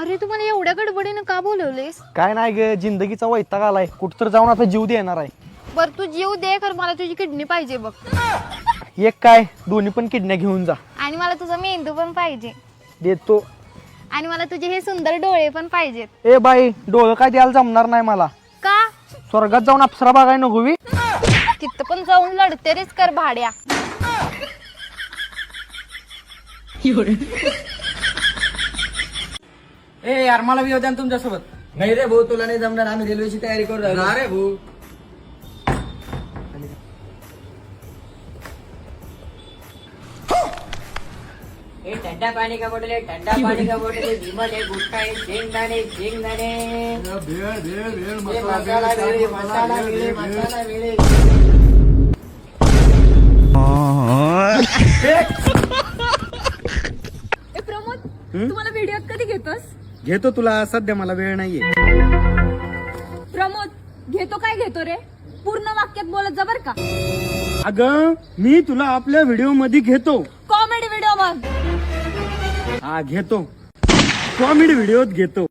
अरे तुम्हाला एवढ्या गडबडीनं का बोलवलेस? काय नाही ग, जिंदगीचा वैताग आलाय. कुठं तर जाऊन आता जीव देणार आहे. बर तू जीव दे, खर मला तुझी किडनी पाहिजे बघ. एक काय, दोन्ही पण किडन्या घेऊन जा. आणि मला तुझा मेंदू पण पाहिजे. देतो. आणि मला तुझे हे सुंदर डोळे पण पाहिजेत. ए बाई, डोळं काय द्यायला जमणार नाही मला. का? स्वर्गात जाऊन अप्सरा बघाय नको बी. तिथं पण जाऊन लढते रेच कर भाड्या. ए यार मला बी होत्या तुमच्यासोबत. नाही रे भाऊ, तुला नाही जमणार. आम्ही रेल्वेची तयारी करू राहिलो. रे भाऊ. ठंडा पाणी का बॉटल आहे, ठंडा पाणी का बॉटल आहे, विमल आहे, गुटखा आहे, शेंगदाणे शेंगदाणे, मसाला वेळे मसाला वेळे मसाला वेळे. प्रमोद, तुम्हाला व्हिडिओ कधी घेतोस? घेतो, तुला सध्या मला वेळ नाहीये. प्रमोद, घेतो काय घेतो रे? पूर्ण वाक्यात बोलत जा बर का. अगं, मी तुला आपल्या व्हिडिओ मध्ये घेतो. कॉमेडी व्हिडिओ मग. हा घेतो, कॉमेडी व्हिडिओत घेतो.